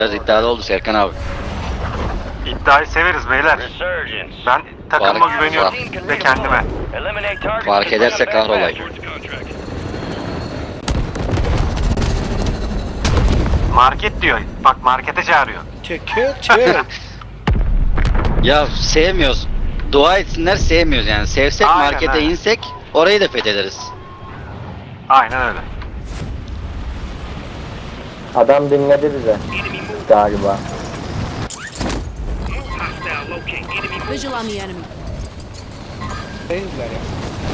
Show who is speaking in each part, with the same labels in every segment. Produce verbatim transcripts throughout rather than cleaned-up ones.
Speaker 1: Biraz iddialı oldu Serkan abi.
Speaker 2: İddiayı severiz beyler. Ben takıma
Speaker 1: Fark-
Speaker 2: güveniyorum ve kendime.
Speaker 1: Fark ederse kahrolayım.
Speaker 2: Market diyor. Bak markete çağırıyor.
Speaker 3: Çekiyor çek.
Speaker 1: Ya sevmiyoruz. Dua etsinler sevmiyoruz yani. Sevsek
Speaker 2: Aynen,
Speaker 1: markete
Speaker 2: aynen.
Speaker 1: insek orayı da fethederiz.
Speaker 2: Aynen öyle.
Speaker 4: Adam dinledi bize galiba.
Speaker 5: Visual on the enemy.
Speaker 3: Değiller ya.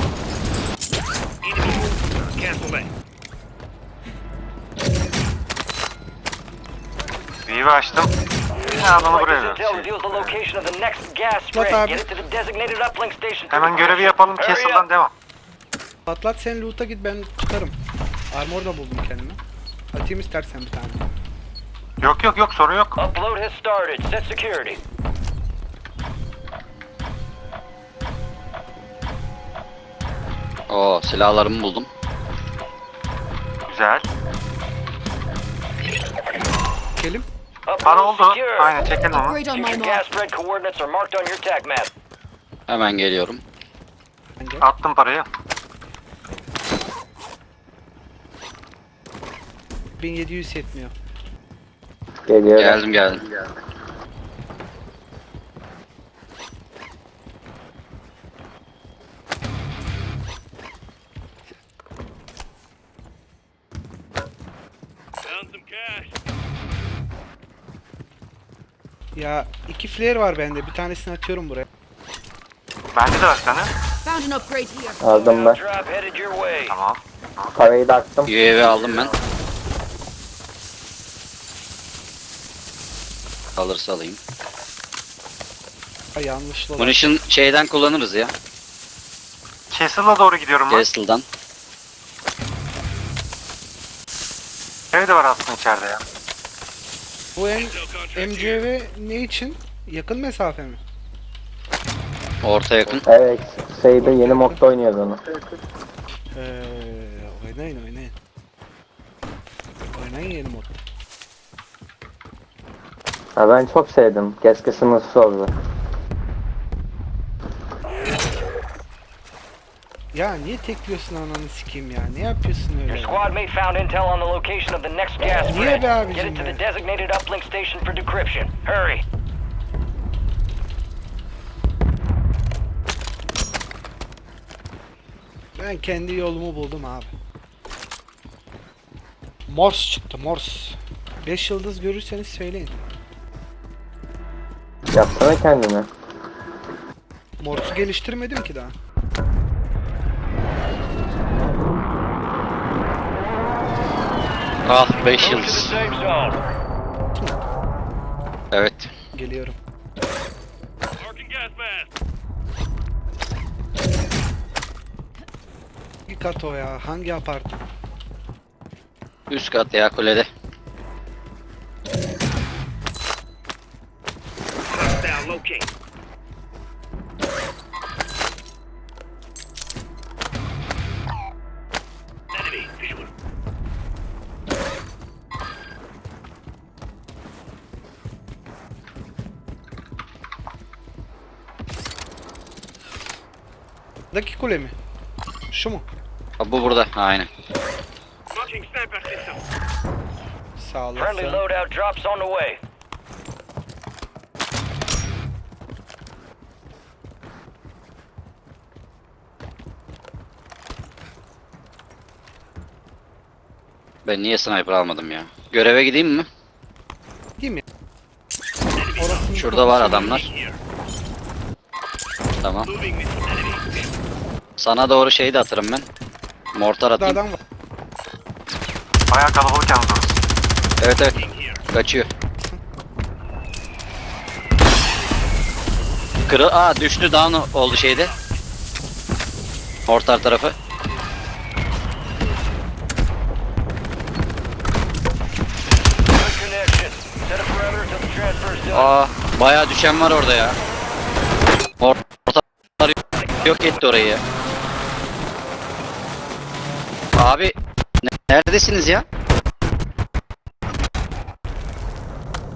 Speaker 2: Vivi açtım. Ne adamı buraya ver.
Speaker 3: Lan abi.
Speaker 2: Hemen görevi yapalım. Castle'dan devam.
Speaker 3: Patlat sen loot'a git, ben tutarım. Armor da buldum kendime. Atayım istersen bir tane.
Speaker 2: Yok yok yok sorun yok.
Speaker 6: Upload has started. Set security.
Speaker 1: Oo, silahlarımı buldum.
Speaker 2: Güzel.
Speaker 3: Kelim.
Speaker 2: Para
Speaker 6: Upload
Speaker 2: oldu.
Speaker 6: secure.
Speaker 2: Aynen çekelim onu.
Speaker 5: Upgrade on my
Speaker 6: Your
Speaker 5: mark.
Speaker 6: gas spread coordinates are marked on your tag map.
Speaker 1: Hemen geliyorum.
Speaker 3: Bence.
Speaker 2: Attım parayı.
Speaker 3: bin yedi yüz yetmiyor.
Speaker 4: Geliyor.
Speaker 1: Geldim geldim.
Speaker 3: Ya iki flare var bende. Bir tanesini atıyorum buraya.
Speaker 2: Bende de var bir tane.
Speaker 5: Found an upgrade here.
Speaker 4: Aldım ben.
Speaker 6: Drop headed your way.
Speaker 2: Tamam.
Speaker 4: Parayı da attım.
Speaker 1: U A V aldım ben. Alırsa alayım.
Speaker 3: Ha, yanlışlı olan.
Speaker 1: Munition şeyden kullanırız ya.
Speaker 2: Castle'a doğru gidiyorum ben.
Speaker 1: Castle'dan.
Speaker 2: Ev de var aslında içeride ya.
Speaker 3: Bu M MCV ne için? Yakın mesafe mi?
Speaker 1: Orta yakın.
Speaker 4: Evet. Şeyde yeni modda oynuyoruz onu.
Speaker 3: Ee, oynayın oynayın. Oynayın yeni mod.
Speaker 4: Ha, ben çok sevdim. Keşke sınırsız oldu.
Speaker 3: Ya niye tekliyorsun ananı sikeyim ya? Ne yapıyorsun
Speaker 6: Your
Speaker 3: öyle?
Speaker 6: squad mate found intel on the location of the next gas
Speaker 3: Niye
Speaker 6: spread.
Speaker 3: be abicim
Speaker 6: Get it to
Speaker 3: be?
Speaker 6: the designated uplink station for decryption. Hurry.
Speaker 3: Ben kendi yolumu buldum abi. Morse çıktı Morse. beş yıldız görürseniz söyleyin.
Speaker 4: Yapsana kendini.
Speaker 3: Morse'u geliştirmedim ki daha.
Speaker 1: Ah beş
Speaker 6: Move to the
Speaker 1: yıldız.
Speaker 6: safe zone.
Speaker 1: Evet.
Speaker 3: Geliyorum. Bir kat o ya. Hangi apartman?
Speaker 1: Üst kat ya kulede.
Speaker 3: Daki kule mi? Şu mu?
Speaker 1: Ha, bu burada. Aynen.
Speaker 3: Sağ
Speaker 6: Friendly
Speaker 3: olasın.
Speaker 6: loadout drops on the way.
Speaker 1: Ben niye sniper almadım ya? Göreve gideyim mi?
Speaker 3: Değil mi? Orasını
Speaker 1: Şurada var adamlar. Tamam. Sana doğru şeyi de atarım ben. Mortar
Speaker 3: Burada
Speaker 1: atayım.
Speaker 3: adam var.
Speaker 2: Bayağı kalabalık yalnız orası.
Speaker 1: Evet evet. Kaçıyor. Kırı Aa düştü, down oldu şeyde. Mortar tarafı.
Speaker 6: Good connection. Set a perimeter till the transfer's done.
Speaker 1: Aa bayağı düşen var orada ya. Mortar yok etti orayı ya. Abi neredesiniz ya?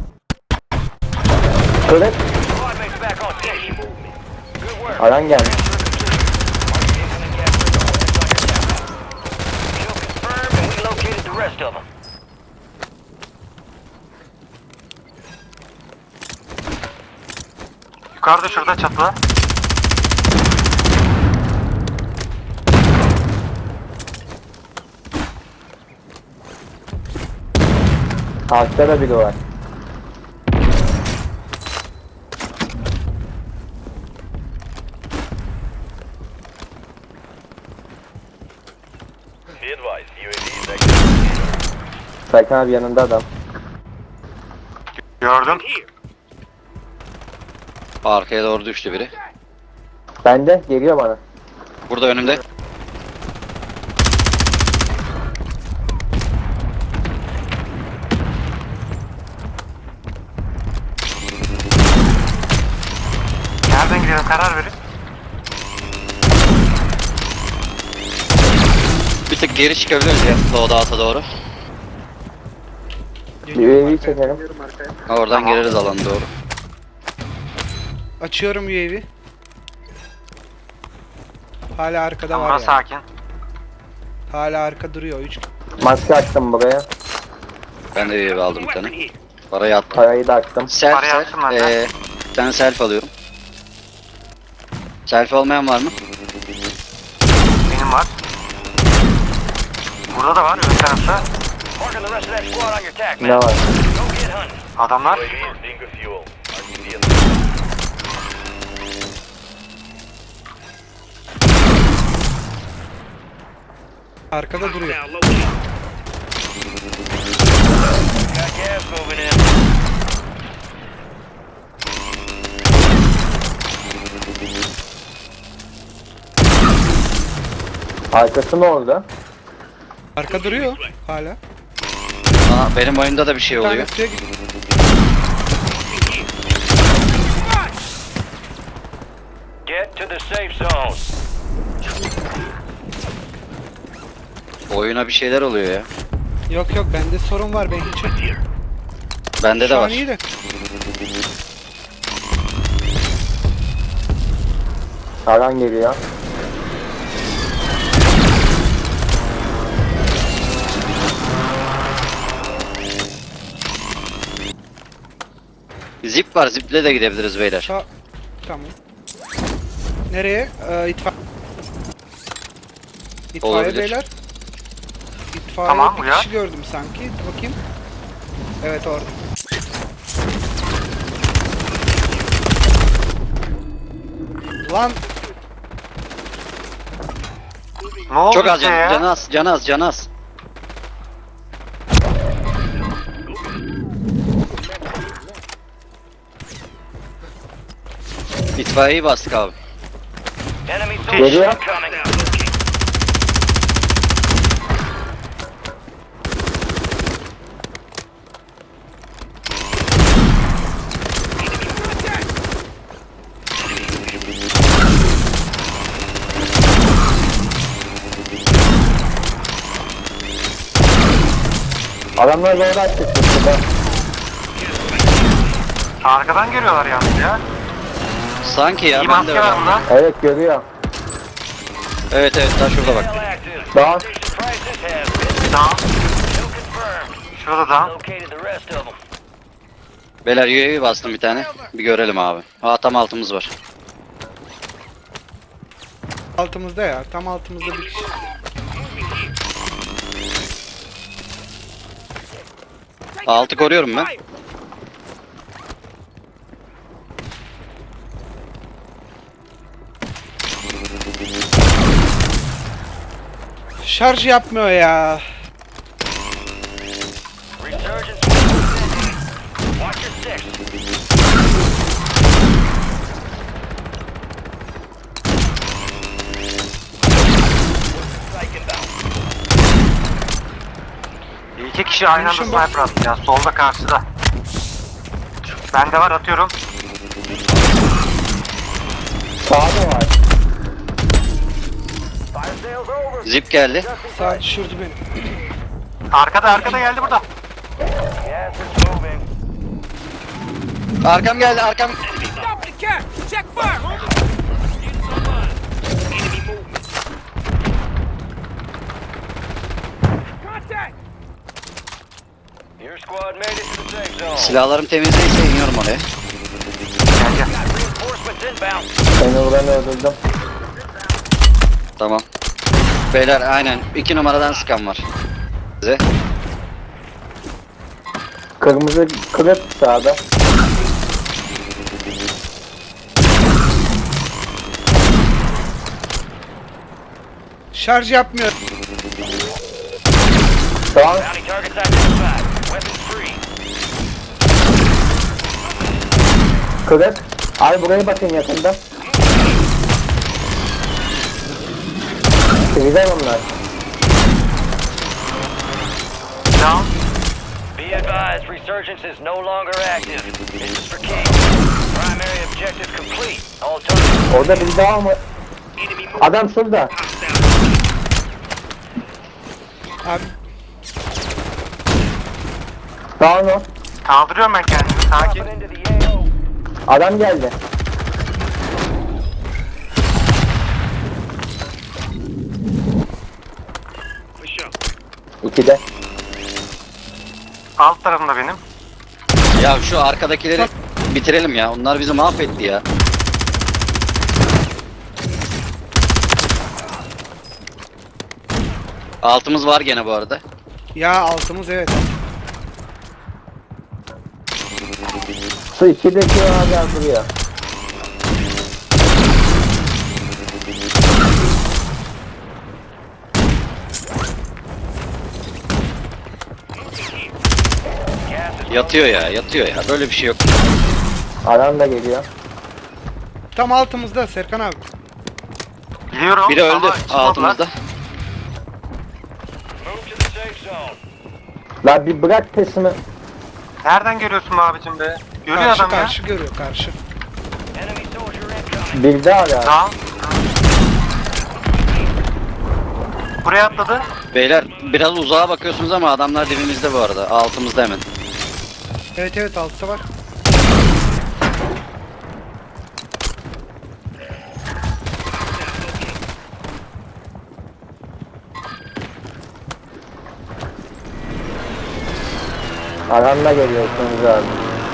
Speaker 4: Kırık.
Speaker 6: Squad mates back on station. Good work.
Speaker 4: Alan gelmiş.
Speaker 6: Incoming gas rig on your task. Kill confirmed and we located the rest of them.
Speaker 2: Yukarıda şurada çatıda.
Speaker 4: Altta da biri var.
Speaker 6: Be advised, U A V is active.
Speaker 4: Serkan abi yanında adam.
Speaker 2: Gördüm.
Speaker 1: Arkaya doğru düştü biri.
Speaker 4: Bende geliyor bana.
Speaker 1: Burada önümde.
Speaker 2: Nereden gidelim karar verin.
Speaker 1: Bir tık geri çıkabiliriz ya. Doğu ata doğru.
Speaker 4: U A V'yi çekelim.
Speaker 1: Oradan
Speaker 2: Tamam.
Speaker 1: gireriz alana doğru.
Speaker 3: Açıyorum U A V. Hala arkada
Speaker 2: Tamam,
Speaker 3: var
Speaker 2: burası
Speaker 3: ya.
Speaker 2: sakin.
Speaker 3: Hala arka duruyor. üç.
Speaker 4: Maske attım buraya.
Speaker 1: Ben de bir aldım bir tane. Parayı attım.
Speaker 4: Parayı da attım.
Speaker 1: Self
Speaker 2: Parayı
Speaker 1: self.
Speaker 2: attım ben de.
Speaker 1: Ee, bir tane self alıyorum. Selfie olmayan var mı?
Speaker 2: Benim var. Burada da var ön tarafta.
Speaker 6: Marking the rest of that squad on your tack
Speaker 4: Ne
Speaker 6: map.
Speaker 4: var?
Speaker 6: Go get hunting.
Speaker 2: Adamlar.
Speaker 6: U A V is being refueled. R T D in the
Speaker 3: Arkada duruyor.
Speaker 6: Got gas moving in.
Speaker 4: Arkası ne oldu?
Speaker 3: Arka duruyor hala.
Speaker 1: Aa, benim oyunda da bir şey
Speaker 3: Bir tane
Speaker 1: oluyor.
Speaker 3: suya git.
Speaker 6: Get to the safe zone.
Speaker 1: Oyuna bir şeyler oluyor ya.
Speaker 3: Yok yok bende sorun var ben hiç yok.
Speaker 1: Bende de
Speaker 3: Şu an
Speaker 1: var.
Speaker 3: iyi de.
Speaker 4: Alan geliyor.
Speaker 1: Zip var. Ziple de gidebiliriz beyler.
Speaker 3: Sağ... Tamam. Nereye? Ee, itfa... İtfaiye
Speaker 1: Olabilir.
Speaker 3: beyler. İtfaiye
Speaker 2: Tamam,
Speaker 3: bir
Speaker 2: uyar.
Speaker 3: kişi gördüm sanki. Dur bakayım. Evet orada. Lan
Speaker 2: Ne oldu
Speaker 1: Çok az
Speaker 2: size
Speaker 1: can,
Speaker 2: ya?
Speaker 1: can az, can az, can az. İtfaiyeyi bastık abi.
Speaker 6: Enemy
Speaker 4: Geliyor.
Speaker 6: soldiers incoming.
Speaker 4: Adamlar doğru açtık burada.
Speaker 2: Arkadan geliyorlar yalnız ya.
Speaker 1: Sanki ya
Speaker 2: İyi
Speaker 1: ben de
Speaker 2: maske var
Speaker 1: öyle.
Speaker 2: burada.
Speaker 4: Evet görüyor.
Speaker 1: Evet evet daha şurada bak.
Speaker 6: Hell active.
Speaker 4: Daha
Speaker 6: Station prices have been
Speaker 2: Tamam.
Speaker 6: kill confirmed.
Speaker 2: Şurada da.
Speaker 6: Located the rest of them.
Speaker 1: Beyler U A V bastım bir tane. Bir görelim abi. Aa tam altımız var.
Speaker 3: altımızda ya. Tam altımızda bir kişi.
Speaker 1: Altı koruyorum ben.
Speaker 3: Şarj yapmıyor ya.
Speaker 6: Resurgence. Watch your six. Strike inbound.
Speaker 2: İki kişi aynı anda
Speaker 3: Konuşun bak.
Speaker 2: sniper attı ya. Solda karşıda. Bende var atıyorum.
Speaker 4: sağda var.
Speaker 6: Fire sales over.
Speaker 1: Zip geldi.
Speaker 3: Sağ düşürdü beni.
Speaker 2: Arkada arkada geldi burada.
Speaker 6: Gas is moving.
Speaker 1: Arkam geldi arkam.
Speaker 6: Your squad made it to the safe zone.
Speaker 1: Silahlarım temizleyince iniyorum oraya.
Speaker 2: Gel gel.
Speaker 6: Reinforcements inbound.
Speaker 4: Seni vuranı öldürdüm.
Speaker 1: Tamam. Beyler aynen iki numaradan sıkan var. Size.
Speaker 4: Kırmızı kırık sağda.
Speaker 3: Şarj yapmıyor.
Speaker 4: Tamam.
Speaker 6: Bounty targets identified. Weapons free.
Speaker 4: Kırık. Ay buraya bakın yakında. Güzel onlar.
Speaker 2: Down.
Speaker 6: Be advised, resurgence is no longer active. This is for King. Primary objective complete. All targets.
Speaker 4: Orada bir daha mı? Adam şurada.
Speaker 3: Abi
Speaker 4: Down o.
Speaker 2: Kaldırıyorum ben kendimi. Sakin.
Speaker 6: Dropping into the A O.
Speaker 4: Adam geldi. İkide.
Speaker 2: Alt tarafında benim.
Speaker 1: Ya şu arkadakileri bitirelim ya. Onlar bizi mahvetti ya. Altımız var gene bu arada.
Speaker 3: ya altımız evet.
Speaker 4: Su ikideki hala duruyor.
Speaker 6: Gas is
Speaker 1: Yatıyor ya yatıyor ya. Böyle bir şey yok.
Speaker 4: Adam da geliyor.
Speaker 3: Tam altımızda Serkan abi.
Speaker 2: Biliyorum.
Speaker 1: Biri öldü
Speaker 2: ama çıkmadılar.
Speaker 1: altımızda.
Speaker 6: move to the safe zone.
Speaker 4: Lan bir bırak tesimi.
Speaker 2: Nereden görüyorsun be abicim be? Görüyor
Speaker 3: Karşı
Speaker 2: adam
Speaker 3: karşı görüyor karşı.
Speaker 6: Enemy soldier incoming.
Speaker 4: Bir daha
Speaker 2: ya.
Speaker 4: ya.
Speaker 2: Down. Buraya atladı.
Speaker 1: Beyler biraz uzağa bakıyorsunuz ama adamlar dibimizde bu arada. Altımızda hemen.
Speaker 3: Evet evet altta var.
Speaker 4: Adamla geliyorsunuz abi.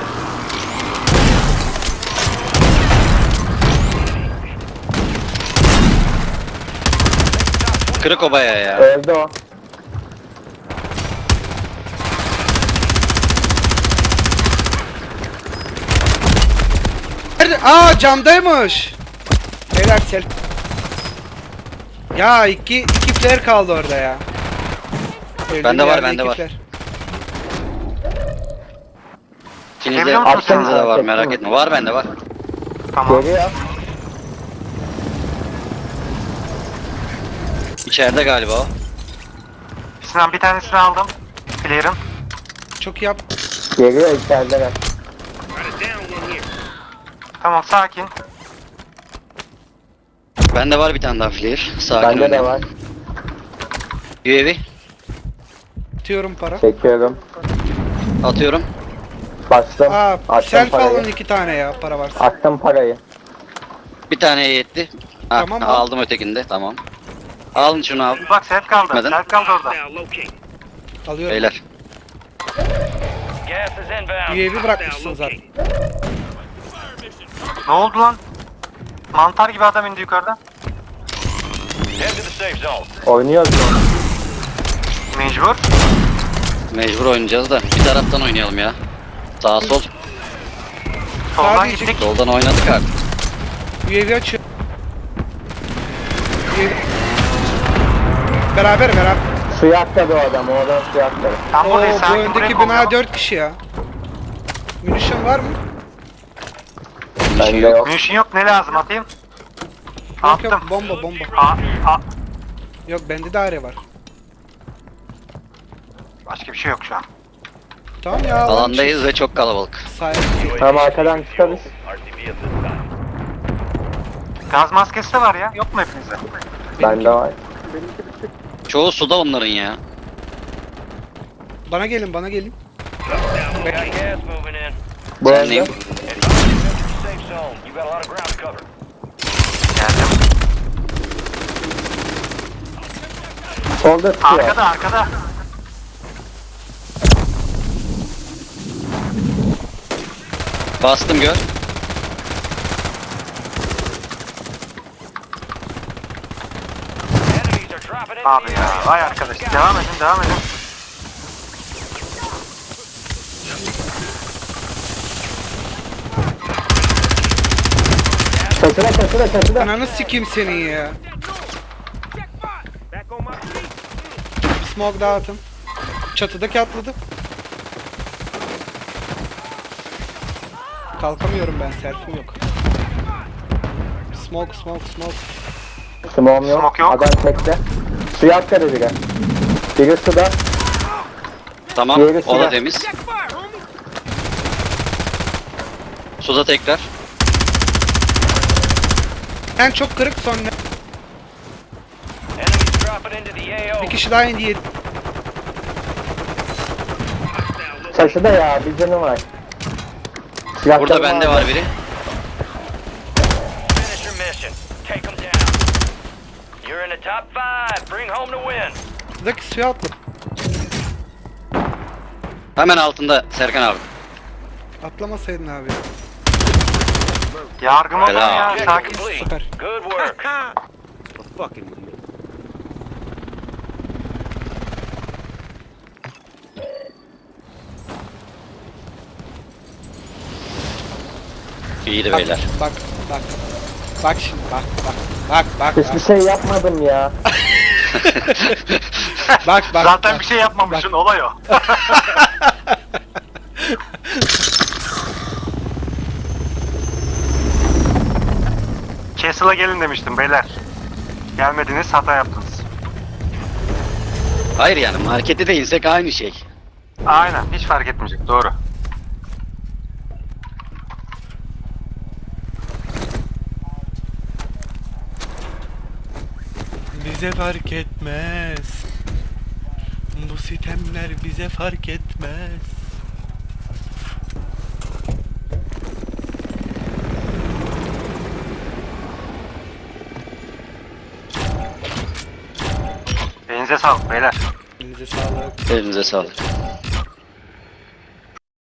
Speaker 1: Kırık obaya ya.
Speaker 4: Öldü o.
Speaker 3: Nerede? Aa camdaymış. Beyler sel. Ya iki iki flare kaldı orada ya. Öldüğüm
Speaker 1: Bende var,
Speaker 3: yerde
Speaker 1: bende
Speaker 3: iki
Speaker 1: var.
Speaker 3: flare.
Speaker 1: İkinizde,
Speaker 2: Geliyor musun
Speaker 1: ikinizde
Speaker 4: sen?
Speaker 1: de var merak etme. Var bende var.
Speaker 2: Tamam.
Speaker 4: Geliyor.
Speaker 1: İçeride galiba o.
Speaker 2: Sinan bir tanesini aldım. Clear'ın.
Speaker 3: Çok iyi yap.
Speaker 4: Geliyor içerideler.
Speaker 2: Tamam sakin.
Speaker 1: Bende var bir tane daha flare. Sakin
Speaker 4: Bende de
Speaker 1: oynayalım.
Speaker 4: var.
Speaker 1: U A V
Speaker 3: Atıyorum para.
Speaker 4: Çekiyorum.
Speaker 1: atıyorum.
Speaker 4: Bastım.
Speaker 3: Aa
Speaker 4: Attım
Speaker 3: self alın
Speaker 4: parayı.
Speaker 3: iki tane ya para varsa.
Speaker 4: Attım parayı.
Speaker 1: Bir taneye yetti. Ha,
Speaker 3: Tamam, al.
Speaker 1: aldım ötekinde. Tamam. Alın şunu abi.
Speaker 2: Bak self kaldı.
Speaker 1: Gitmedin.
Speaker 2: Self kaldı orada.
Speaker 3: Alıyorum.
Speaker 1: Beyler.
Speaker 6: Gas is inbound.
Speaker 3: U A V bırakmışsın zaten.
Speaker 2: Ne oldu lan? Mantar gibi adam indi yukarıdan.
Speaker 6: Head to the safe zone.
Speaker 4: Oynuyoruz mu?
Speaker 2: Mecbur.
Speaker 1: Mecbur oynayacağız da bir taraftan oynayalım ya. Sağ sol.
Speaker 2: Soldan
Speaker 3: Sadece-
Speaker 2: gittik.
Speaker 1: Soldan oynadık artık.
Speaker 3: U A V açıyor. U A V. Beraber beraber.
Speaker 4: Suya atladı o adam. O adam suya atladı.
Speaker 2: Tam
Speaker 3: Oo,
Speaker 2: buradayız
Speaker 3: bu
Speaker 2: sakin. Burayı
Speaker 3: öndeki bina
Speaker 2: kollayalım.
Speaker 3: dört kişi ya. Munition var mı?
Speaker 4: Bende yok.
Speaker 2: Munition yok ne lazım atayım?
Speaker 3: Yok yok
Speaker 2: Attım.
Speaker 3: bomba bomba.
Speaker 2: Aa, aa.
Speaker 3: Yok bende de are var.
Speaker 2: Başka bir şey yok şu an.
Speaker 3: Tamam ya. alan
Speaker 1: Alandayız ve çok kalabalık.
Speaker 3: çık- Sahip.
Speaker 4: Tamam arkadan çıkarız.
Speaker 2: Gaz maskesi de var ya. Yok mu hepinizde?
Speaker 4: Bende var.
Speaker 1: Çoğu suda onların ya.
Speaker 3: Bana gelin bana gelin.
Speaker 6: Got gas moving in.
Speaker 4: Bu
Speaker 1: Sen
Speaker 4: arada
Speaker 1: neyim?
Speaker 6: safe zone. You got a lot of ground to cover.
Speaker 2: Geldim.
Speaker 4: Solda tutuyor.
Speaker 2: Arkada arkada.
Speaker 1: Bastım gör.
Speaker 6: Enemies are dropping into
Speaker 2: Abi
Speaker 6: the
Speaker 2: ya.
Speaker 6: area.
Speaker 2: Vay arkadaş. Devam edin devam edin.
Speaker 4: Çatıda çatıda çatıda.
Speaker 3: Ananı sikeyim senin ya. Smoke dağıtın. Çatıdaki atladı. Kalkamıyorum ben, selfim yok. Smoke, smoke, smoke.
Speaker 4: Smoke'um yok.
Speaker 2: Smoke yok.
Speaker 4: Adam tekte. Suya atladı biri. Biri suda.
Speaker 1: Tamam.
Speaker 4: Diğeri
Speaker 1: O da
Speaker 4: silah.
Speaker 1: temiz. Suda tekrar.
Speaker 3: En çok kırık sonra.
Speaker 6: Enemies dropping into the A O.
Speaker 3: Bir kişi daha indi. yedi.
Speaker 4: Çatıda ya. Bir canı var. Silahları
Speaker 1: Burada bende var biri.
Speaker 6: Finish your mission. Take them down. You're in the top five. Bring home the win.
Speaker 3: Çatıdaki suya atladı.
Speaker 1: Hemen altında Serkan abi.
Speaker 3: Atlamasaydın abi.
Speaker 2: Yargım olun
Speaker 1: Helal.
Speaker 2: ya.
Speaker 6: Objective
Speaker 2: Sakin.
Speaker 6: complete.
Speaker 3: Süper.
Speaker 6: Good work.
Speaker 1: İyiydi
Speaker 3: Bak,
Speaker 1: beyler.
Speaker 3: bak, bak. Bak şimdi, bak, bak. Bak, bak,
Speaker 4: Hiçbir
Speaker 3: bak.
Speaker 4: şey yapmadım ya.
Speaker 3: Bak, bak.
Speaker 2: Zaten
Speaker 3: bak.
Speaker 2: bir şey yapmamışsın. Olay o. Castle'a gelin demiştim beyler. Gelmediniz, hata yaptınız.
Speaker 1: Hayır yani markete de insek aynı şey.
Speaker 2: Aynen, hiç fark etmeyecek. Doğru.
Speaker 3: Bize fark etmez. Bu sitemler bize fark etmez.
Speaker 2: Elinize sağlık beyler.
Speaker 3: Elinize sağlık.
Speaker 1: Elinize sağlık.